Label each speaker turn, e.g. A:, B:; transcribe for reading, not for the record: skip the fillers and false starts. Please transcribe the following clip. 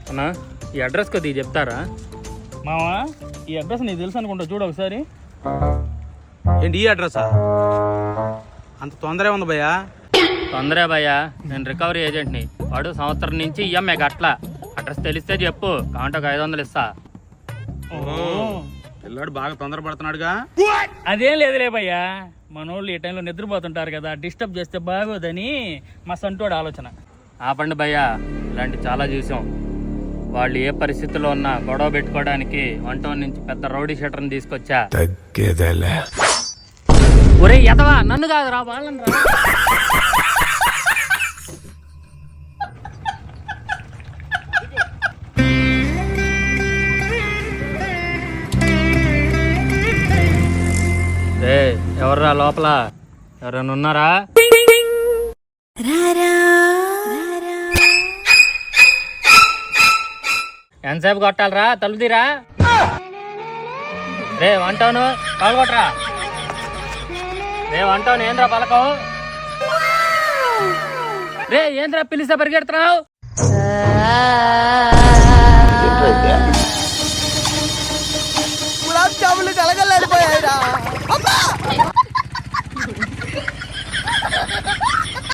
A: అన్నా ఈ అడ్రస్ కొద్దిగా చెప్తారా?
B: మావా ఈ అడ్రస్ నీకు తెలుసు అనుకుంటా, చూడు ఒకసారి.
C: ఏంటి ఈ అడ్రస్సా? అంత తొందరే ఉంది భయ్యా.
A: తొందరే భయ్యా, నేను రికవరీ ఏజెంట్ని. వాడు సంవత్సరం నుంచి ఈఎంఐ గట్లా. అడ్రస్ తెలిస్తే చెప్పు, కాంటే ఒక 500 ఇస్తా.
C: పిల్లాడు బాగా తొందరపడుతున్నాడుగా.
B: అదేం లేదులే భయ్యా, మనోళ్ళు ఈ టైంలో నిద్రపోతుంటారు కదా, డిస్టర్బ్ చేస్తే బాగోదని మా సంటోడు ఆలోచన.
A: ఆపండి భయ్యా, ఇలాంటి చాలా చూసాం. వాళ్ళు ఏ పరిస్థితుల్లో ఉన్నా గొడవ పెట్టుకోవడానికి 1 నుంచి పెద్ద రౌడీ షీటర్ని తీసుకొచ్చా. ఒరే ఎదవా, నన్ను కాదురా వాళ్ళని రా. ఎవర్రా లోపల? ఎవరైనా ఉన్నారా? ఎంతసేపు కొట్టాలరా? తలుపుతీరా. రే వంటాను పాల్గొట్టరా. రే వంటాను ఏంద్రా పలకవు? రే ఏంద్రా పిలిస్తే పరిగెడుతున్నావు?
D: గులాబ్ జాములు కలగలేడిపోయాయిరా.